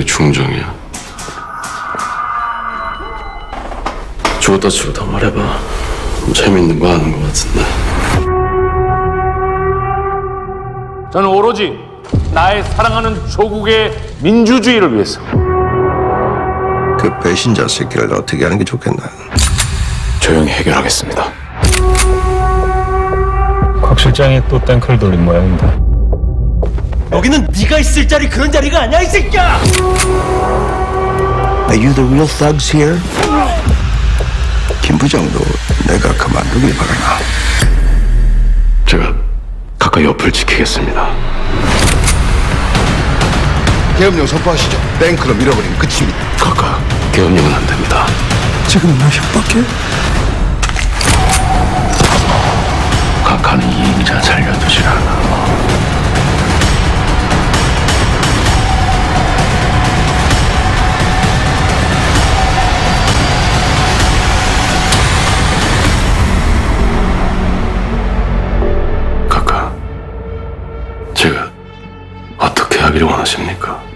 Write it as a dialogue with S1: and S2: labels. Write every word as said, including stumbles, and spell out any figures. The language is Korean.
S1: 게 중정이야. 죽었다 치고 더 말해봐. 재밌는 거 아는 거 같은데.
S2: 저는 오로지 나의 사랑하는 조국의 민주주의를 위해서
S3: 그 배신자 새끼를 어떻게 하는 게 좋겠나?
S4: 조용히 해결하겠습니다.
S5: 곽 실장이 또 땡크를 돌린 모양입니다.
S6: 여기는 네가 있을 자리 그런 자리가 아니야 이 새끼야.
S3: Are you the real thugs here? 김 부장도 내가 그만두길 바라나.
S1: 제가 가까이 옆을 지키겠습니다.
S3: 계엄령 선포하시죠. 뱅크로 밀어버리면 끝입니다.
S1: 각각 계엄령은 안 됩니다.
S3: 지금 나 협박해?
S1: 각하는 이임자 살려두질 않아. 각하, 제가 어떻게 하기를 원하십니까?